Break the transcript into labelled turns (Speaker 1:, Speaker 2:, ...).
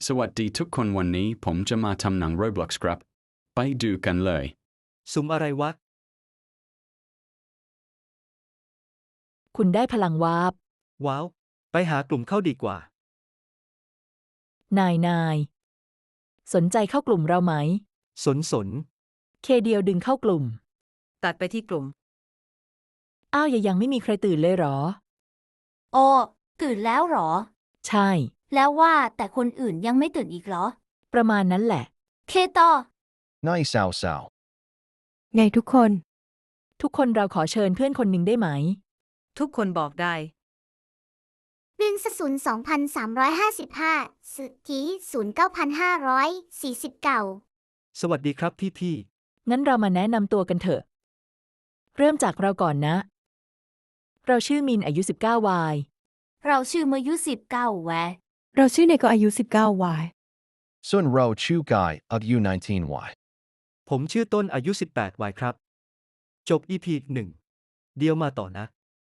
Speaker 1: สวัสดีทุกคนวันนี้ผมจะมาทำหนัง Roblox ครับไปดูกันเลย
Speaker 2: สุ่มอะไรวะ
Speaker 3: คุณได้พลังวาร์ป
Speaker 2: ว้าวไปหากลุ่มเข้าดีกว่าน
Speaker 3: ายสนใจเข้ากลุ่มเราไหม
Speaker 2: สน
Speaker 3: เคเดียวดึงเข้ากลุ่ม
Speaker 4: ตัดไปที่กลุ่ม
Speaker 3: อ้าวยังไม่มีใครตื่นเลยเหรอ
Speaker 5: โอ้ตื่นแล้วเหรอ
Speaker 3: ใช่
Speaker 5: แล้วว่าแต่คนอื่นยังไม่ตื่นอีกเหรอ
Speaker 3: ประมาณนั้นแหละ
Speaker 5: เคต่อ
Speaker 6: นายสาวสาว
Speaker 4: ไงทุกคน
Speaker 3: ทุกคนเราขอเชิญเพื่อนคนหนึ่งได้ไหม
Speaker 4: ทุกคนบอกได้
Speaker 5: 1 0 2,355สุทธิ09,549
Speaker 2: สวัสดีครับพี่
Speaker 3: งั้นเรามาแนะนำตัวกันเถอะ เริ่มจากเราก่อนนะ เราชื่อมินอายุ19 วาย
Speaker 5: เราชื่อมายุ19แวะ
Speaker 4: เราชื่อเนโกอายุ19 วาย
Speaker 6: ส่วนเราชื่อกายอายุ19 y
Speaker 2: ๆผมชื่อต้นอายุ18วัยครับจบ EP 1เดียวมาต่อนะ